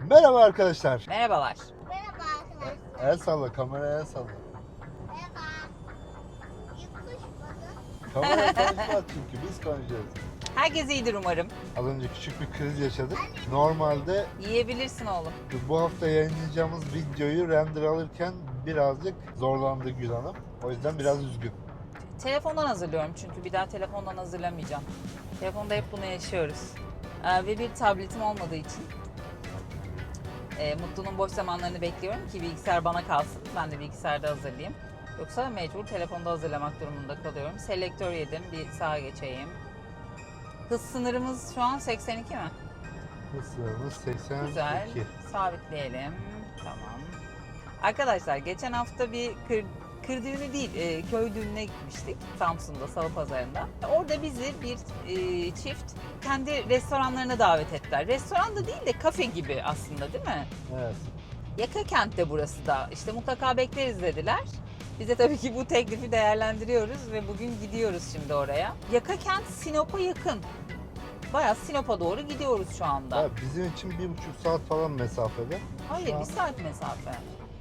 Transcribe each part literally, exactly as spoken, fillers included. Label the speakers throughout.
Speaker 1: Merhaba arkadaşlar.
Speaker 2: Merhabalar.
Speaker 3: Merhaba arkadaşlar.
Speaker 1: El salla, kameraya el salla.
Speaker 3: Merhaba. Yakışmadı.
Speaker 1: Kamera konuşmaz çünkü biz konuşuyoruz.
Speaker 2: Herkes iyidir umarım.
Speaker 1: Az önce küçük bir kriz yaşadık. Normalde
Speaker 2: Yiyebilirsin oğlum.
Speaker 1: bu hafta yayınlayacağımız videoyu render alırken birazcık zorlandı Gül Hanım. O yüzden biraz üzgün.
Speaker 2: Telefondan hazırlıyorum çünkü bir daha telefondan hazırlamayacağım. Telefonda hep bunu yaşıyoruz. Ee, ve bir tabletim olmadığı için e, Mutlu'nun boş zamanlarını bekliyorum ki bilgisayar bana kalsın. Ben de bilgisayarda hazırlayayım. Yoksa mecbur telefonda hazırlamak durumunda kalıyorum. Selektör yedim. Bir sağa geçeyim. Hız sınırımız şu an seksen iki mi?
Speaker 1: Hız sınırımız seksen iki.
Speaker 2: Güzel. Sabitleyelim. Tamam. Arkadaşlar geçen hafta bir kır, kır düğünü değil, e, köy düğününe gitmiştik. Samsun'da, Salı Pazarı'nda. Orada bizi bir e, çift kendi restoranlarına davet ettiler. Restoran da değil de kafe gibi aslında, değil mi?
Speaker 1: Evet.
Speaker 2: Yaka kentte burası da. İşte mutlaka bekleriz dediler. Biz de tabii ki bu teklifi değerlendiriyoruz ve bugün gidiyoruz şimdi oraya. Yaka kent Sinop'a yakın. Bayağı Sinop'a doğru gidiyoruz şu anda.
Speaker 1: Ya bizim için bir buçuk saat falan mesafede.
Speaker 2: Hayır,
Speaker 1: Şu an-
Speaker 2: bir saat mesafe.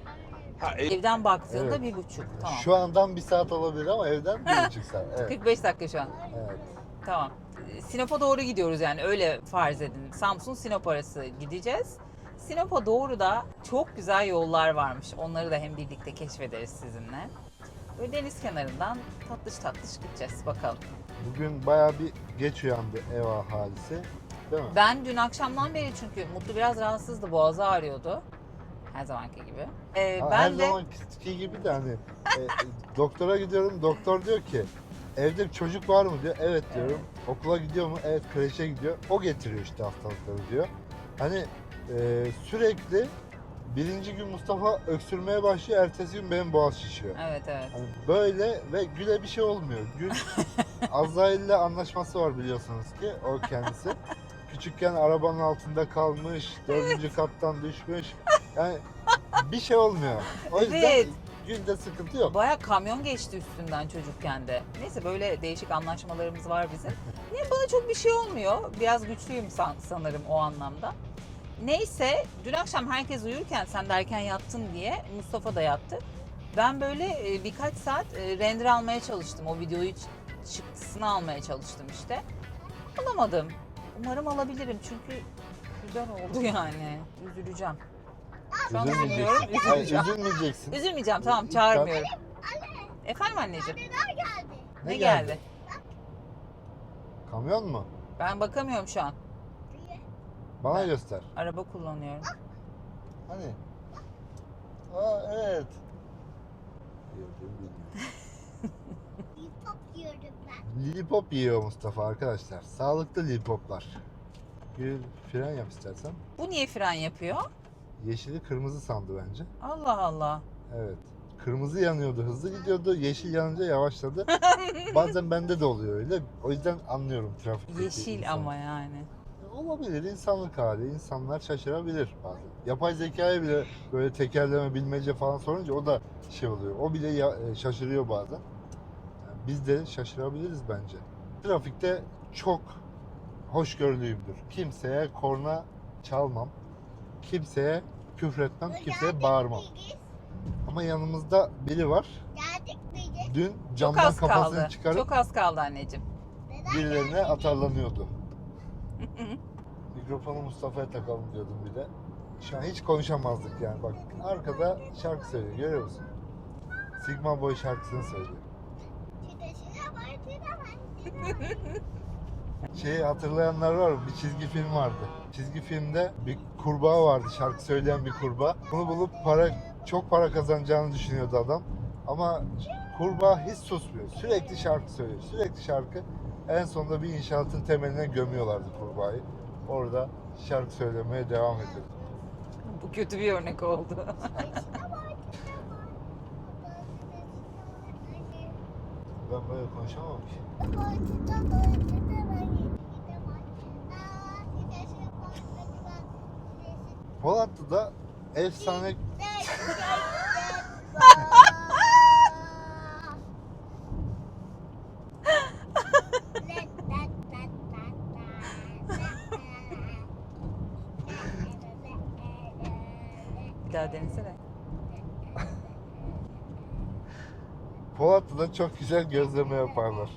Speaker 1: Ha, e-
Speaker 2: Evden baktığında
Speaker 1: Evet.
Speaker 2: bir buçuk. Tamam.
Speaker 1: Şu andan bir saat olabilir ama evden bir buçuk saat. Evet.
Speaker 2: kırk beş dakika şu an.
Speaker 1: Evet.
Speaker 2: Tamam. Sinop'a doğru gidiyoruz yani, öyle farz edin. Samsun Sinop arası gideceğiz. Sinop'a doğru da çok güzel yollar varmış. Onları da hem birlikte keşfederiz sizinle. Böyle deniz kenarından tatlış tatlış gideceğiz bakalım.
Speaker 1: Bugün bayağı bir geç uyandı ev ahalisi. Değil mi?
Speaker 2: Ben dün akşamdan beri, çünkü Mutlu biraz rahatsızdı, boğazı ağrıyordu. Her zamanki gibi. Ee,
Speaker 1: Ha,
Speaker 2: ben
Speaker 1: her
Speaker 2: de
Speaker 1: zamanki gibi de hani e, doktora gidiyorum, doktor diyor ki evde bir çocuk var mı diyor. Evet diyorum. Okula gidiyor mu? Evet, kreşe gidiyor. O getiriyor işte hastalıkları diyor. Hani e, sürekli birinci gün Mustafa öksürmeye başlıyor, ertesi gün benim boğaz şişiyor.
Speaker 2: evet evet.
Speaker 1: Hani böyle ve Gül'e bir şey olmuyor. Gül Azrail'le anlaşması var biliyorsunuz ki, o kendisi. Küçükken arabanın altında kalmış, dördüncü kattan düşmüş. Yani bir şey olmuyor. O yüzden
Speaker 2: Evet.
Speaker 1: Gül'de sıkıntı yok.
Speaker 2: Baya kamyon geçti üstünden çocukken de. Neyse, böyle değişik anlaşmalarımız var bizim. Niye bana çok bir şey olmuyor? Biraz güçlüyüm san- sanırım o anlamda. Neyse, dün akşam herkes uyurken sen de erken yattın diye Mustafa da yattı. Ben böyle e, birkaç saat e, render almaya çalıştım. O videoyu ç- çıktısını almaya çalıştım işte. Alamadım. Umarım alabilirim çünkü güzel oldu yani. Üzüleceğim. Şu an üzülmüyorum,
Speaker 1: Üzülmeyeceksin. Hayır,
Speaker 2: üzüleceğim.
Speaker 1: üzülmeyeceksin.
Speaker 2: Üzülmeyeceğim, tamam,
Speaker 1: İlk
Speaker 2: çağırmıyorum. Efendim anneciğim,
Speaker 3: Neler geldi?
Speaker 2: ne,
Speaker 1: Ne
Speaker 2: geldi?
Speaker 1: geldi? Kamyon mu?
Speaker 2: Ben bakamıyorum şu an.
Speaker 1: Bana
Speaker 2: Ben-
Speaker 1: göster.
Speaker 2: Araba kullanıyorum.
Speaker 1: Hani? Aa, evet. Gördüm, bilmiyorum.
Speaker 3: Bir top yiyordum ben.
Speaker 1: Lillipop yiyor Mustafa arkadaşlar. Sağlıklı lillipoplar. Gül, fren yap istersen.
Speaker 2: Bu niye fren yapıyor?
Speaker 1: Yeşili kırmızı sandı bence.
Speaker 2: Allah Allah.
Speaker 1: Evet. Kırmızı yanıyordu, hızlı gidiyordu. Yeşil yanınca yavaşladı. Bazen bende de oluyor öyle. O yüzden anlıyorum trafikteki
Speaker 2: Yeşil
Speaker 1: insanı.
Speaker 2: ama yani.
Speaker 1: Olabilir, insanlık hali. İnsanlar şaşırabilir bazen. Yapay zekaya bile böyle tekerleme, bilmece falan sorunca o da şey oluyor. O bile ya- e, şaşırıyor bazen. Yani biz de şaşırabiliriz bence. Trafikte çok hoşgörülüyümdür. Kimseye korna çalmam. Kimseye küfretmem, kimseye bağırmam.
Speaker 3: Biz
Speaker 1: Ama yanımızda biri var.
Speaker 3: geldik biz.
Speaker 1: Dün
Speaker 2: Çok
Speaker 1: camdan
Speaker 2: az
Speaker 1: kafasını
Speaker 2: kaldı.
Speaker 1: çıkarıp
Speaker 2: Çok az kaldı anneciğim.
Speaker 1: birilerine atarlanıyordu. Mikrofonu Mustafa'ya takalım diyordum bir de. Şu an hiç konuşamazdık yani. Bak arkada şarkı söylüyor, görüyor musun? Sigma Boy şarkısını söylüyor.
Speaker 3: Çideşine var, çidemez.
Speaker 1: Şeyi hatırlayanlar var mı? Bir çizgi film vardı. Çizgi filmde bir kurbağa vardı, şarkı söyleyen bir kurbağa. Bunu bulup para, çok para kazanacağını düşünüyordu adam. Ama kurbağa hiç susmuyor. Sürekli şarkı söylüyor. Sürekli şarkı. En sonunda bir inşaatın temeline gömüyorlardı kurbağayı. Orada şarkı söylemeye devam ediyordu.
Speaker 2: Bu kötü bir örnek oldu.
Speaker 1: Ben böyle konuşamam ki. Polatlı'da efsane
Speaker 2: daha denesene.
Speaker 1: Polatlı'da çok güzel gözleme yaparlar.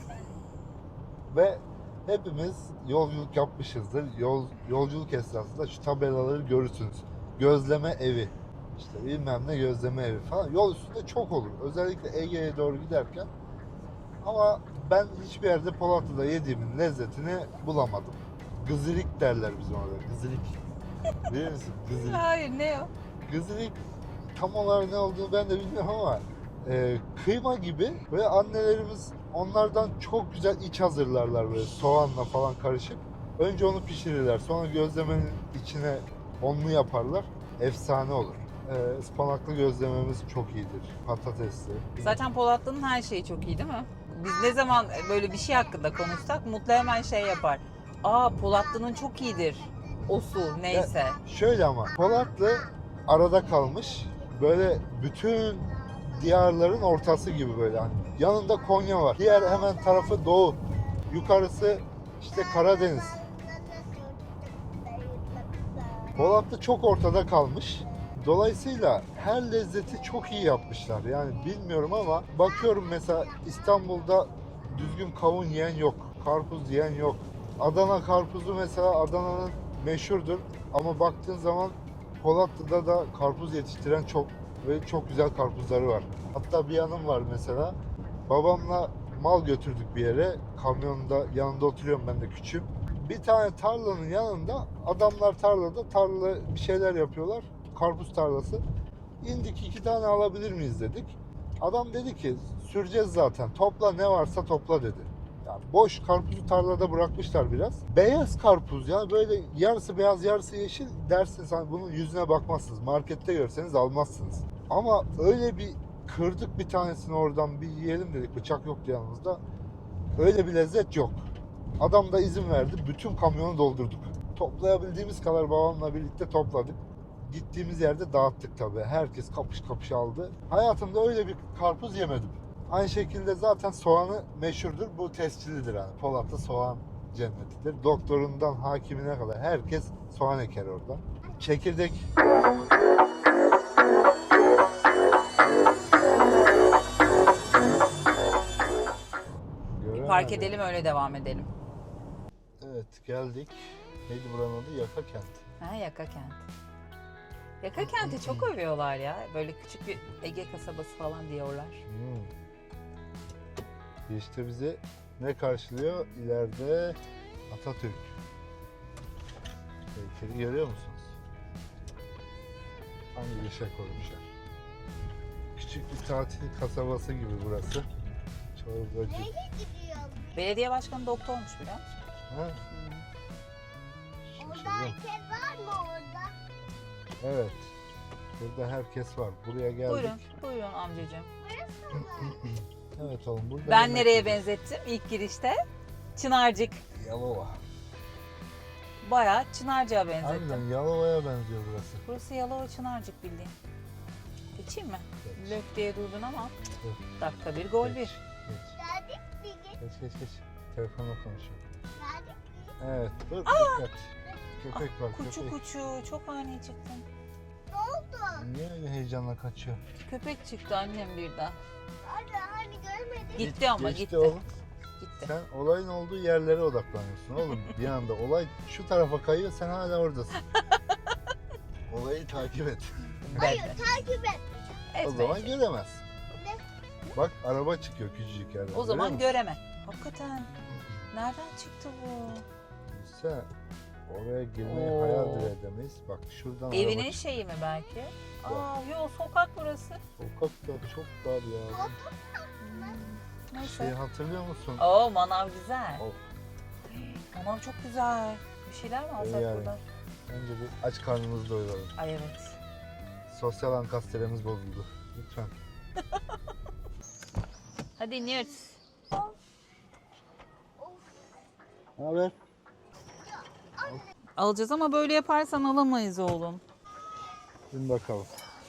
Speaker 1: Ve hepimiz yolculuk yapmışızdır. Yol, yolculuk esnasında şu tabelaları görürsünüz. Gözleme evi. İşte bilmem ne gözleme evi falan. Yol üstünde çok olur. Özellikle Ege'ye doğru giderken. Ama ben hiçbir yerde Polatlı'da yediğimin lezzetini bulamadım. Gızırik derler bizim orada. Gızırik. Bilir misin? Gızırik.
Speaker 2: Hayır, ne o?
Speaker 1: Gızırik tam olarak ne olduğunu ben de bilmiyorum ama e, kıyma gibi ve annelerimiz onlardan çok güzel iç hazırlarlar böyle soğanla falan karışık. Önce onu pişirirler. Sonra gözlemenin içine onlu yaparlar. Efsane olur. E, ıspanaklı gözlememiz çok iyidir. Patatesli.
Speaker 2: Zaten Polatlı'nın her şeyi çok iyi değil mi? Biz ne zaman böyle bir şey hakkında konuşsak Mutlu hemen şey yapar. Aa, Polatlı'nın çok iyidir. O su neyse.
Speaker 1: Şöyle ama Polatlı arada kalmış. Böyle bütün diyarların ortası gibi böyle. Hani yanında Konya var. Diğer hemen tarafı Doğu. Yukarısı işte Karadeniz. Polatlı çok ortada kalmış. Dolayısıyla her lezzeti çok iyi yapmışlar. Yani bilmiyorum ama bakıyorum mesela İstanbul'da düzgün kavun yiyen yok. Karpuz yiyen yok. Adana karpuzu mesela Adana'nın meşhurdur. Ama baktığın zaman Polatlı'da da karpuz yetiştiren çok ve çok güzel karpuzları var. Hatta bir yanım var mesela. Babamla mal götürdük bir yere. Kamyonda yanında oturuyorum, ben de küçüğüm. Bir tane tarlanın yanında adamlar tarlada tarla bir şeyler yapıyorlar. Karpuz tarlası. İndik, iki tane alabilir miyiz dedik. Adam dedi ki süreceğiz zaten. Topla, ne varsa topla dedi. Yani boş karpuzu tarlada bırakmışlar biraz. Beyaz karpuz ya, böyle yarısı beyaz yarısı yeşil dersiniz, hani bunun yüzüne bakmazsınız. Markette görseniz almazsınız. Ama öyle bir kırdık bir tanesini oradan, bir yiyelim dedik. Bıçak yoktu yanımızda. Öyle bir lezzet yok. Adam da izin verdi. Bütün kamyonu doldurduk. Toplayabildiğimiz kadar babamla birlikte topladık. Gittiğimiz yerde dağıttık tabii. Herkes kapış kapış aldı. Hayatımda öyle bir karpuz yemedim. Aynı şekilde zaten soğanı meşhurdur. Bu tescillidir yani. Polatlı soğan cennetidir. Doktorundan hakimine kadar herkes soğan eker orada. Çekirdek.
Speaker 2: Bir park edelim, öyle devam edelim.
Speaker 1: Evet, geldik. Neydi buranın adı? Yaka Kent.
Speaker 2: Ha, Yaka Kent. Yaka Kent'i çok övüyorlar ya. Böyle küçük bir Ege kasabası falan diyorlar.
Speaker 1: Hmm. İşte bizi ne karşılıyor? İleride Atatürk heykeli görüyor musunuz? Hangi bir şey koymuşlar? Küçük bir tatil kasabası gibi burası. Çorbacı.
Speaker 3: Nereye gidiyorsun?
Speaker 2: Belediye başkanı doktormuş, biliyor musun?
Speaker 1: Ha?
Speaker 3: Orada
Speaker 1: Şaşırdım.
Speaker 3: herkes var mı orada?
Speaker 1: Evet. Burada herkes var. Buraya geldik.
Speaker 2: Buyurun, buyurun amcacığım.
Speaker 3: Burası mı?
Speaker 1: Evet oğlum, burada
Speaker 2: Ben
Speaker 1: yemek
Speaker 2: nereye
Speaker 1: yiyeceğiz.
Speaker 2: benzettim ilk girişte? Çınarcık.
Speaker 1: Yalova.
Speaker 2: Bayağı Çınarcık'a benzettim.
Speaker 1: Harbiden Yalova'ya benziyor burası.
Speaker 2: Burası Yalova Çınarcık bildiğin. Geçeyim mi?
Speaker 1: Geç.
Speaker 2: Lök diye durdun ama
Speaker 1: Dur.
Speaker 2: dakika bir gol
Speaker 1: Geç.
Speaker 2: bir.
Speaker 1: Geç.
Speaker 3: Geldik mi? Geç-
Speaker 1: Geç geç geç. Telefonla konuşuyor.
Speaker 3: Geldik mi?
Speaker 1: Evet. Dur dikkat. Köpek var,
Speaker 2: Kuçu
Speaker 1: köpek.
Speaker 2: kuçu çok ani çıktın.
Speaker 3: Ne oldu?
Speaker 1: Niye öyle heyecanla kaçıyor?
Speaker 2: Köpek çıktı annem birden.
Speaker 3: Hadi hani görmedik.
Speaker 2: Gitti ama
Speaker 1: Geçti
Speaker 2: gitti.
Speaker 1: oğlum.
Speaker 2: Gitti.
Speaker 1: Sen olayın olduğu yerlere odaklanıyorsun oğlum. Bir anda olay şu tarafa kayıyor, sen hala oradasın. Olayı takip et.
Speaker 3: Hayır
Speaker 2: Ben de.
Speaker 3: takip et.
Speaker 1: O
Speaker 2: Etme,
Speaker 1: zaman
Speaker 2: etme.
Speaker 1: göremez. Bak araba çıkıyor küçücük yerden.
Speaker 2: O zaman
Speaker 1: görüyor musun?
Speaker 2: göreme. Hakikaten. Nereden çıktı bu?
Speaker 1: Sen oraya girmeyi
Speaker 2: Oo.
Speaker 1: hayal bile edemeyiz. Bak şuradan
Speaker 2: Evinin
Speaker 1: araba çıkıyor.
Speaker 2: şeyi mi belki? Aa, yo, sokak burası.
Speaker 1: Sokak da çok dar ya.
Speaker 2: Hmm, Neyse.
Speaker 1: Şey hatırlıyor musun?
Speaker 2: Oo, manav güzel.
Speaker 1: Of.
Speaker 2: Manav çok güzel. Bir şeyler mi alsak
Speaker 1: Yani.
Speaker 2: buradan?
Speaker 1: Önce bir aç karnımızı doyuralım.
Speaker 2: Ay evet.
Speaker 1: Sosyal ankastremiz bozuldu. Lütfen.
Speaker 2: Hadi iniyoruz.
Speaker 1: Ne haber?
Speaker 2: Alacağız ama böyle yaparsan alamayız oğlum.
Speaker 1: Bin bakalım.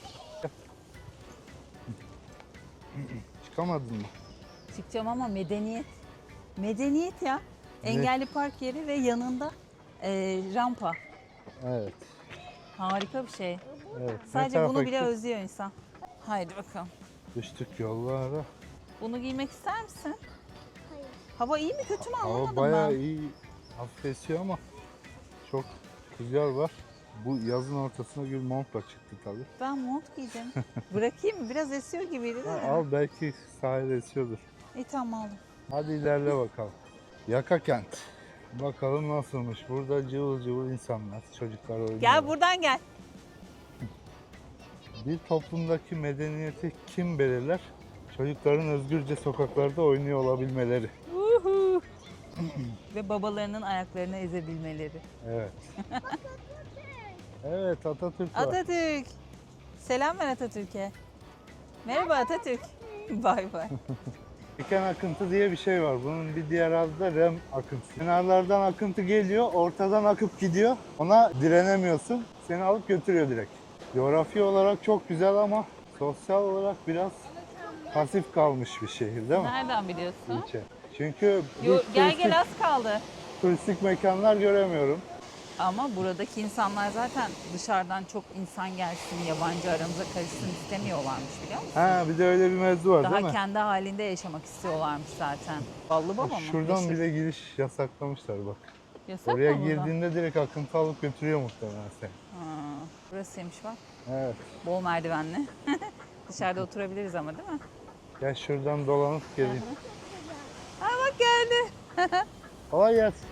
Speaker 1: Çıkamadın mı?
Speaker 2: Çıkacağım ama medeniyet. Medeniyet ya. Engelli park yeri ve yanında e, rampa.
Speaker 1: Evet.
Speaker 2: Harika bir şey.
Speaker 3: Bu
Speaker 1: Evet. ne
Speaker 2: Sadece
Speaker 1: tarafa
Speaker 2: bunu bile
Speaker 1: gittik?
Speaker 2: özlüyor insan. Haydi bakalım.
Speaker 1: Düştük yollara.
Speaker 2: Bunu giymek ister misin?
Speaker 3: Hayır.
Speaker 2: Hava iyi mi kötü mü
Speaker 1: Hava
Speaker 2: anlamadım
Speaker 1: bayağı
Speaker 2: ben.
Speaker 1: iyi. Hafif esiyor ama çok rüzgar var. Bu yazın ortasına bir montla çıktı tabii.
Speaker 2: Ben mont giydim. Bırakayım mı? Biraz esiyor gibiydi değil
Speaker 1: Ha,
Speaker 2: mi?
Speaker 1: al belki sahilde esiyordur.
Speaker 2: İyi tamam aldım.
Speaker 1: Hadi ilerle bakalım. Yaka kent. Bakalım nasılmış. Burada cıvıl cıvıl insanlar, çocuklar oynuyor.
Speaker 2: Gel buradan gel.
Speaker 1: Bir toplumdaki medeniyeti kim belirler? Çocukların özgürce sokaklarda oynuyor olabilmeleri.
Speaker 2: Uhu. Ve babalarının ayaklarını ezebilmeleri.
Speaker 1: Evet. Evet, Atatürk var.
Speaker 2: Atatürk. Selam ver Atatürk'e. Merhaba Atatürk. Bay bay.
Speaker 1: Diken akıntı diye bir şey var. Bunun bir diğer adı da rem akıntısı. Kenarlardan akıntı geliyor, ortadan akıp gidiyor. Ona direnemiyorsun. Seni alıp götürüyor direkt. Coğrafi olarak çok güzel ama sosyal olarak biraz pasif kalmış bir şehir değil mi?
Speaker 2: Nereden biliyorsun?
Speaker 1: İlçe. Çünkü
Speaker 2: Yo,
Speaker 1: hiç
Speaker 2: gel
Speaker 1: turistik,
Speaker 2: gel az kaldı.
Speaker 1: turistik mekanlar göremiyorum.
Speaker 2: Ama buradaki insanlar zaten dışarıdan çok insan gelsin, yabancı aramıza karışsın istemiyorlarmış biliyor musun?
Speaker 1: Ha bir de öyle bir mevzu var değil
Speaker 2: Daha
Speaker 1: mi?
Speaker 2: kendi halinde yaşamak istiyorlarmış zaten. Ballı baba mı?
Speaker 1: Şuradan
Speaker 2: Meşhur.
Speaker 1: bile giriş yasaklamışlar bak.
Speaker 2: Yasak
Speaker 1: Oraya
Speaker 2: mı buradan?
Speaker 1: girdiğinde direkt akıntı alıp götürüyor muhtemelen seni.
Speaker 2: Ha, burasıymış bak.
Speaker 1: Evet.
Speaker 2: Bol merdivenli. Dışarıda oturabiliriz ama değil mi?
Speaker 1: Gel şuradan dolanıp geleyim.
Speaker 2: Ha bak geldi.
Speaker 1: Kolay gelsin.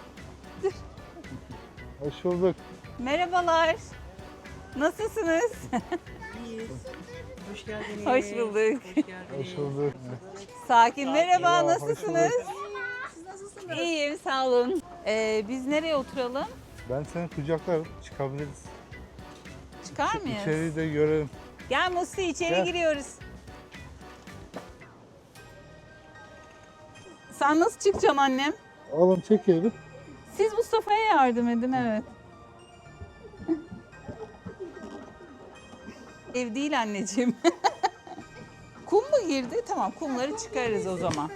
Speaker 1: Hoş bulduk.
Speaker 2: Merhabalar. Nasılsınız?
Speaker 4: İyiyiz. Hoş geldiniz.
Speaker 2: Hoş bulduk.
Speaker 4: Hoş geldiniz.
Speaker 1: Hoş bulduk.
Speaker 2: Sakin. Merhaba.
Speaker 1: Merhaba, hoş
Speaker 2: Nasılsınız?
Speaker 4: Siz nasılsınız?
Speaker 2: İyiyim. Sağ olun. Ee, biz nereye oturalım?
Speaker 1: Ben seni kucaklarım. Çıkabiliriz.
Speaker 2: Çıkar mıyız?
Speaker 1: İçeriği de görelim.
Speaker 2: Gel Musi içeri
Speaker 1: Gel.
Speaker 2: giriyoruz. Sen nasıl çıkacaksın annem?
Speaker 1: Oğlum çek evi.
Speaker 2: Siz Mustafa'ya yardım edin evet. Ev değil anneciğim. Kum mu girdi? Tamam kumları çıkarırız o zaman.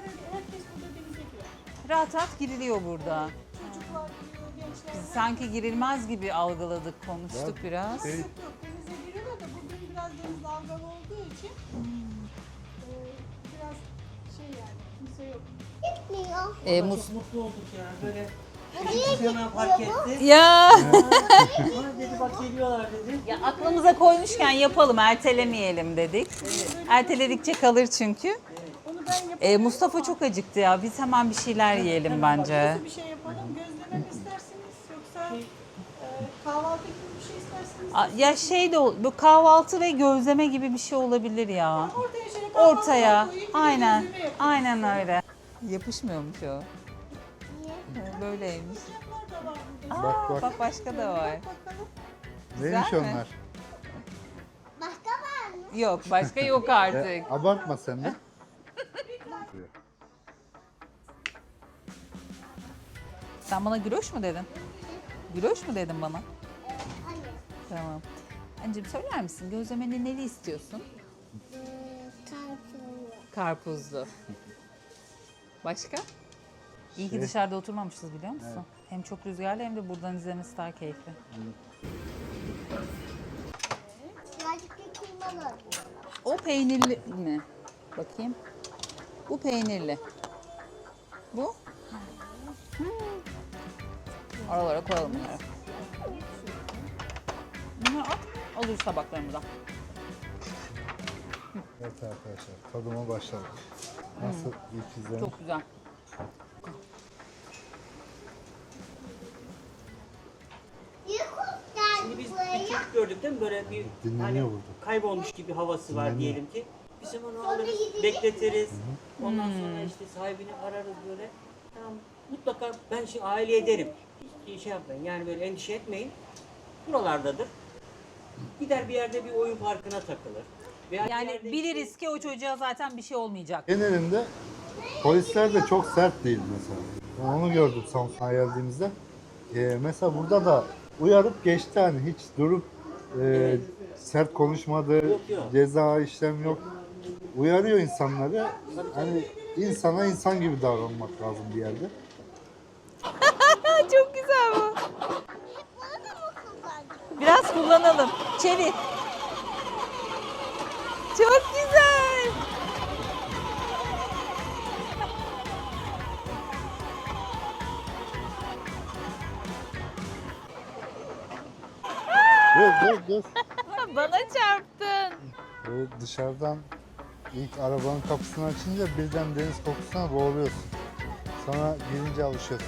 Speaker 2: Rahat rahat giriliyor burada. Biz sanki girilmez gibi algıladık, konuştuk biraz.
Speaker 1: Şey,
Speaker 4: Yok denize giriyorlar da bugün biraz deniz dalgalı olduğu için e, biraz şey yani kimse yok.
Speaker 3: Gitmiyor.
Speaker 2: Ee,
Speaker 5: Çok
Speaker 2: Mus-
Speaker 5: mutlu olduk ya. Böyle
Speaker 3: Niye
Speaker 5: çocuk hemen fark etti.
Speaker 2: ya.
Speaker 5: Aa dedi bak geliyorlar dedi.
Speaker 2: ya aklımıza koymuşken yapalım, ertelemeyelim dedik. Erteledikçe kalır çünkü.
Speaker 4: Onu ben yapayım.
Speaker 2: Ee, Mustafa çok acıktı ya. Biz hemen bir şeyler yiyelim bence.
Speaker 4: Nasıl bir şey yapalım? Gözleme mi istersiniz yoksa e, kahvaltı gibi bir şey istersiniz?
Speaker 2: A- Ya şey de ol- bu kahvaltı ve gözleme gibi bir şey olabilir ya.
Speaker 4: Ortaya şöyle kahvaltı
Speaker 2: Ortaya.
Speaker 4: koyayım, bir de
Speaker 2: Aynen.
Speaker 4: gözleme yapayım.
Speaker 2: Aynen öyle. Yapışmıyormuş o.
Speaker 3: Niye?
Speaker 2: Böyleymiş.
Speaker 4: Bunlar da var burada.
Speaker 2: Aa,
Speaker 1: Bak,
Speaker 2: bak,
Speaker 1: bak.
Speaker 2: başka da var.
Speaker 4: Bakalım.
Speaker 1: neymiş
Speaker 2: Güzel mi?
Speaker 1: onlar?
Speaker 3: Başka var mı?
Speaker 2: Yok, başka yok
Speaker 1: Ya,
Speaker 2: artık.
Speaker 1: abartma sen de.
Speaker 2: Sen bana güloş mu dedin? Güloş mu dedin bana?
Speaker 3: Hayır.
Speaker 2: Tamam. Anneciğim söyler misin? Gözlemeni neli istiyorsun?
Speaker 3: Ee, tartıyor.
Speaker 2: Karpuzlu. Başka? İyi ki
Speaker 1: Şey-
Speaker 2: dışarıda oturmamışız biliyor musun? Hem çok rüzgarlı hem de buradan izlemesi daha keyifli.
Speaker 3: Birazcık da kıymalı.
Speaker 2: O peynirli mi? Bakayım. Bu peynirli. Bu? Hmm. Aralara koyalım bunları. Bunları at. Alırız tabaklarımıza.
Speaker 1: Evet arkadaşlar tadıma başladık. Nasıl ilk izlenim?
Speaker 2: Çok güzel.
Speaker 3: Niye kurt
Speaker 5: Şimdi
Speaker 3: geldi
Speaker 5: biz
Speaker 3: buraya?
Speaker 5: bir çocuk gördük değil mi? Böyle bir
Speaker 1: Dinleniyor
Speaker 5: hani
Speaker 1: burada.
Speaker 5: kaybolmuş gibi havası var
Speaker 1: Dinleniyor.
Speaker 5: diyelim ki. Biz hemen
Speaker 3: Sonra
Speaker 5: alırız,
Speaker 3: gidecek
Speaker 5: bekletiriz. Ondan
Speaker 2: Hmm.
Speaker 5: sonra işte sahibini ararız böyle. Tamam, mutlaka ben şey aile ederim. Hiç şey yapmayın yani böyle endişe etmeyin. Buralardadır. Gider bir yerde bir oyun parkına takılır. Veya bir
Speaker 2: Yani
Speaker 5: yerde
Speaker 2: biliriz ki o çocuğa zaten bir şey olmayacak.
Speaker 1: Genelinde polisler de çok sert değil mesela. Ben onu gördüm Samsun'a geldiğimizde. Ee, mesela burada da uyarıp geçti hani hiç durup e, sert konuşmadı,
Speaker 5: Yok, yok.
Speaker 1: ceza işlem yok. Uyarıyor insanları. Hani insana insan gibi davranmak lazım bir yerde.
Speaker 2: Çok güzel bu.
Speaker 3: Bunu da mı kullandın?
Speaker 2: Biraz kullanalım. Çevir. Çok güzel.
Speaker 1: Dur dur dur.
Speaker 2: Bana çarptın.
Speaker 1: Böyle dışarıdan ilk arabanın kapısını açınca birden deniz kokusuna boğuluyorsun. Sonra girince alışıyorsun.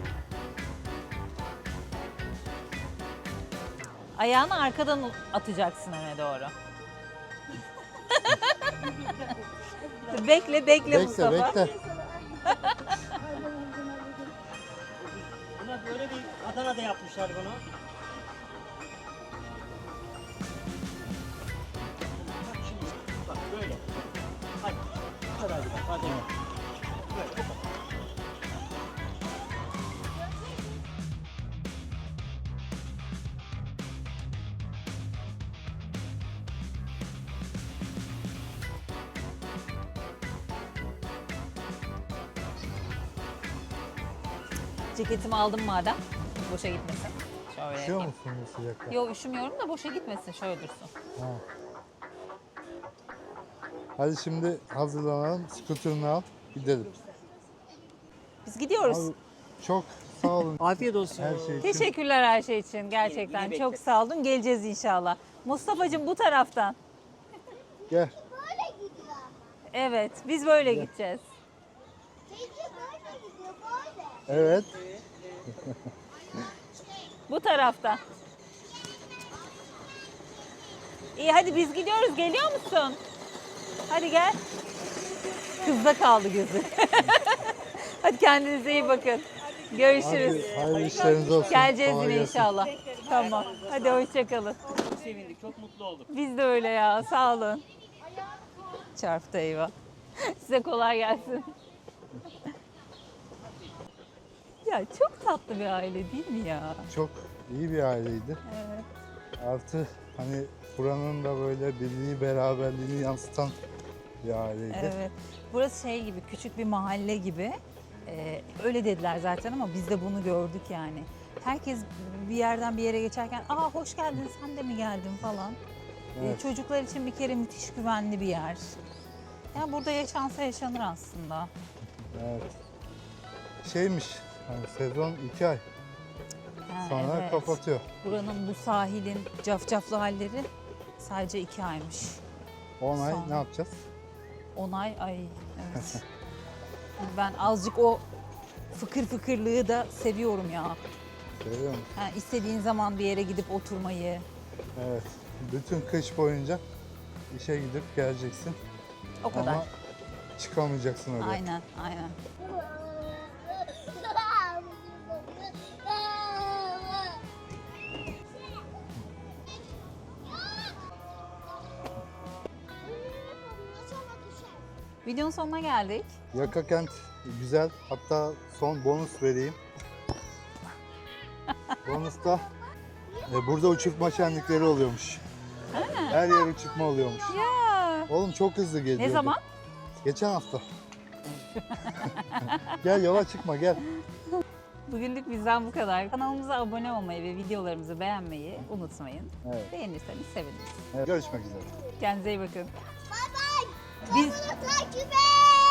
Speaker 2: Ayağını arkadan atacaksın öne doğru. bekle, bekle
Speaker 1: Bekle
Speaker 2: Mustafa.
Speaker 1: bekle.
Speaker 5: Buna böyle bir Adana'da yapmışlar bunu. Bak şimdi, bak böyle. Hadi, hadi hadi bak, hadi. Böyle, bu kadar.
Speaker 2: Ceketimi aldım madem. Boşa gitmesin. Şöyle.
Speaker 1: Üşüyor musun bu sıcakta?
Speaker 2: Yok üşümüyorum da boşa gitmesin. Şöyle dursun.
Speaker 1: Ha. Hadi şimdi hazırlanalım. Skuterını al. Gidelim.
Speaker 2: Biz gidiyoruz.
Speaker 1: Abi, çok sağ olun
Speaker 5: Afiyet olsun.
Speaker 1: her şey için.
Speaker 2: Teşekkürler her şey için. Gerçekten
Speaker 5: Yine
Speaker 2: çok
Speaker 5: bekleriz.
Speaker 2: sağ olun. Geleceğiz inşallah. Mustafa'cığım bu taraftan.
Speaker 1: Gel.
Speaker 3: Böyle gidiyor.
Speaker 2: Evet, biz böyle gideceğiz.
Speaker 3: Teyze böyle gidiyor böyle.
Speaker 1: Evet.
Speaker 2: Bu taraftan. İyi hadi biz gidiyoruz. Geliyor musun? Hadi gel. Kızda kaldı gözü. Hadi kendinize iyi bakın. Görüşürüz.
Speaker 1: Hadi, hayırlı işleriniz olsun.
Speaker 2: Geleceğiz
Speaker 1: Kolay
Speaker 2: yine
Speaker 1: gelsin.
Speaker 2: inşallah. Tamam. Hadi hoşçakalın.
Speaker 5: Çok sevindik, çok mutlu olduk.
Speaker 2: Biz de öyle ya. Sağ olun. Çarptı eyvah. Size kolay gelsin. Ya çok tatlı bir aile değil mi ya?
Speaker 1: Çok iyi bir aileydi.
Speaker 2: Evet.
Speaker 1: Artı hani buranın da böyle birliği, beraberliğini yansıtan bir aileydi.
Speaker 2: Evet. Burası şey gibi, küçük bir mahalle gibi. Ee, öyle dediler zaten ama biz de bunu gördük yani. Herkes bir yerden bir yere geçerken, aa hoş geldin, sen de mi geldin falan. Ee,
Speaker 1: Evet.
Speaker 2: çocuklar için bir kere müthiş güvenli bir yer. Yani burada yaşansa yaşanır aslında.
Speaker 1: Evet. Şeymiş, hani sezon iki ay
Speaker 2: Ha,
Speaker 1: sonra
Speaker 2: evet.
Speaker 1: kapatıyor.
Speaker 2: Buranın bu sahilin cafcaflı halleri sadece iki aymış.
Speaker 1: on ay
Speaker 2: Sonra.
Speaker 1: ne yapacağız?
Speaker 2: On ay, ay evet. Ben azıcık o fıkır fıkırlığı da seviyorum ya.
Speaker 1: Görüyor musun?
Speaker 2: Yani istediğin zaman bir yere gidip oturmayı.
Speaker 1: Evet. Bütün kış boyunca işe gidip geleceksin.
Speaker 2: O kadar.
Speaker 1: Ama çıkamayacaksın oraya.
Speaker 2: Aynen, aynen. Videonun sonuna geldik.
Speaker 1: Yaka kent güzel. Hatta son bonus vereyim. Bonusta e, burada uçurtma şenlikleri oluyormuş. Her yer uçurtma oluyormuş.
Speaker 2: Ya.
Speaker 1: Oğlum çok hızlı geliyor.
Speaker 2: Ne zaman?
Speaker 1: Geçen hafta. Gel yola çıkma gel.
Speaker 2: Bugünlük bizden bu kadar. Kanalımıza abone olmayı ve videolarımızı beğenmeyi unutmayın.
Speaker 1: Evet.
Speaker 2: Beğenirseniz seviniriz.
Speaker 1: Evet. Görüşmek üzere.
Speaker 2: Kendinize iyi bakın.
Speaker 3: Bay bay.
Speaker 2: Biz
Speaker 3: Takip et.